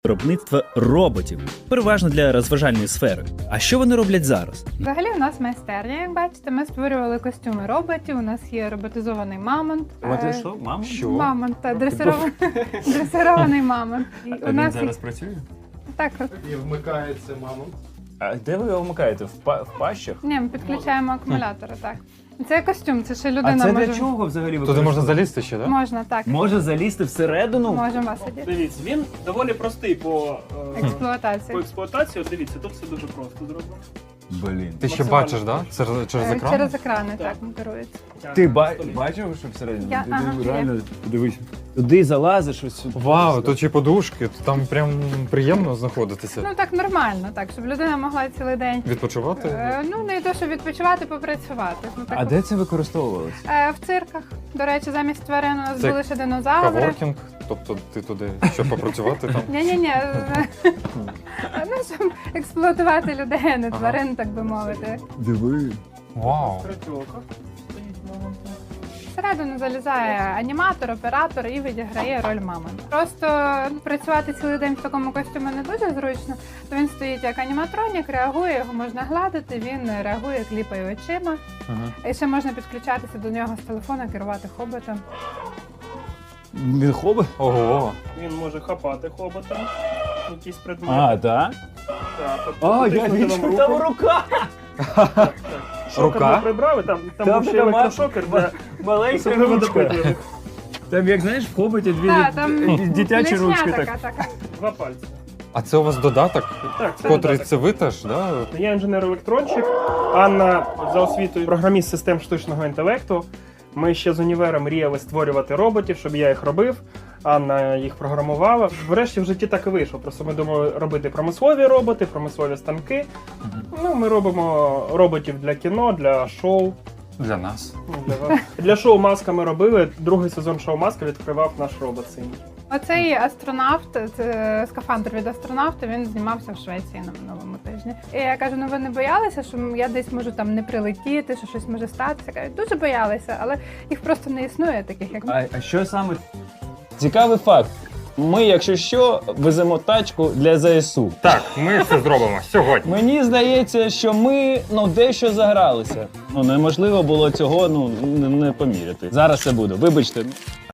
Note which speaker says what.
Speaker 1: виробництва роботів, переважно для розважальної сфери. А що вони роблять зараз?
Speaker 2: Взагалі у нас майстерня, як бачите, ми створювали костюми роботів, у нас є роботизований мамонт.
Speaker 1: що, мама?
Speaker 3: Що?
Speaker 2: Мамонт, дресирований мамонт. І
Speaker 1: А він зараз працює?
Speaker 2: Так,
Speaker 4: І вмикається мамонт.
Speaker 1: А де ви його вмикаєте? В пащах?
Speaker 2: ні, ми підключаємо акумулятори, так. Це костюм, це ще
Speaker 1: А
Speaker 2: людина
Speaker 1: це
Speaker 2: може...
Speaker 1: для чого взагалі
Speaker 3: Туди можна залізти ще, так?
Speaker 2: Можна, так.
Speaker 1: Може залізти всередину?
Speaker 2: Можемо вас сидіти.
Speaker 5: Дивіться, він доволі простий по
Speaker 2: Експлуатації.
Speaker 5: експлуатації. От дивіться, тут все дуже просто зроблено.
Speaker 1: Блін.
Speaker 3: Ти ще
Speaker 5: Максимально.
Speaker 3: бачиш, так? Да? Через екран?
Speaker 2: Через екрани,
Speaker 5: Так.
Speaker 2: так, керується.
Speaker 1: Ти бачив, що всередину?
Speaker 2: Я-
Speaker 1: Ти
Speaker 2: ага,
Speaker 1: реально подивись. Туди залазиш ось сюди.
Speaker 3: Вау, тут ще подушки, там прям приємно знаходитися.
Speaker 2: Ну так нормально, так, щоб людина могла цілий день.
Speaker 3: Відпочивати?
Speaker 2: Ну, не то, щоб відпочивати, попрацювати. Ну, так,
Speaker 1: А де це використовувалося?
Speaker 2: В цирках. До речі, замість тварин у нас
Speaker 3: Це
Speaker 2: були ще динозаври.
Speaker 3: Каворкінг, тобто ти туди, щоб попрацювати там.
Speaker 2: Ні. Ну, щоб експлуатувати людей, а не
Speaker 3: Ага.
Speaker 2: тварин, так би мовити.
Speaker 1: Диви.
Speaker 3: Вау.
Speaker 5: Крачока стоїть мамонт.
Speaker 2: Всередину залізає аніматор, оператор і відіграє роль мамонта. Просто працювати цілий день в такому костюмі не дуже зручно, то він стоїть як аніматронік, реагує, його можна гладити, він реагує, кліпає очима.
Speaker 3: Ага.
Speaker 2: І ще можна підключатися до нього з телефона, керувати хоботом.
Speaker 1: Він хобот?
Speaker 3: Ого.
Speaker 5: Він може хапати хоботом. Якісь предмети.
Speaker 1: А, так?
Speaker 5: Так, тобто
Speaker 1: А, я
Speaker 5: потиснути
Speaker 1: бачу,
Speaker 5: вам
Speaker 1: там
Speaker 5: руку.
Speaker 1: рука!
Speaker 5: Так. Шокер
Speaker 3: Рука?
Speaker 5: ми прибрали, там
Speaker 1: Там
Speaker 5: був ще
Speaker 1: така
Speaker 5: електрошокер для
Speaker 1: Маленька
Speaker 5: особливо
Speaker 1: ручка.
Speaker 5: допитливих.
Speaker 1: Там, як знаєш, в хоботі дві
Speaker 2: Так, там
Speaker 1: дитячі
Speaker 2: клешня
Speaker 1: ручки.
Speaker 2: така,
Speaker 1: Так.
Speaker 2: така.
Speaker 5: Два пальці.
Speaker 3: А це у вас додаток,
Speaker 5: Так, це
Speaker 3: котрий
Speaker 5: додаток.
Speaker 3: це ви теж, да?
Speaker 5: Я інженер-електронщик, Анна за освітою програміст систем штучного інтелекту. Ми ще з універа мріяли створювати роботів, щоб я їх робив. Анна їх програмувала. Врешті в житті так і вийшло. Просто ми думали робити промислові роботи, промислові станки. Ну, ми робимо роботів для кіно, для шоу.
Speaker 3: Для нас.
Speaker 5: Ну, для вас. Для шоу «Маска» ми робили. Другий сезон шоу «Маска» відкривав наш робот синій.
Speaker 2: Оцей астронавт, це скафандр від астронавта, він знімався в Швеції на минулому тижні. І я кажу, ну ви не боялися, що я десь можу там не прилетіти, що щось може статися? Кажуть, дуже боялися, але їх просто не існує таких, як ми.
Speaker 1: А що саме? Цікавий факт. Ми, якщо що, веземо тачку для ЗСУ.
Speaker 3: Так, ми це зробимо сьогодні.
Speaker 1: Мені здається, що ми дещо загралися. Неможливо було цього не поміряти. Зараз це буде. Вибачте.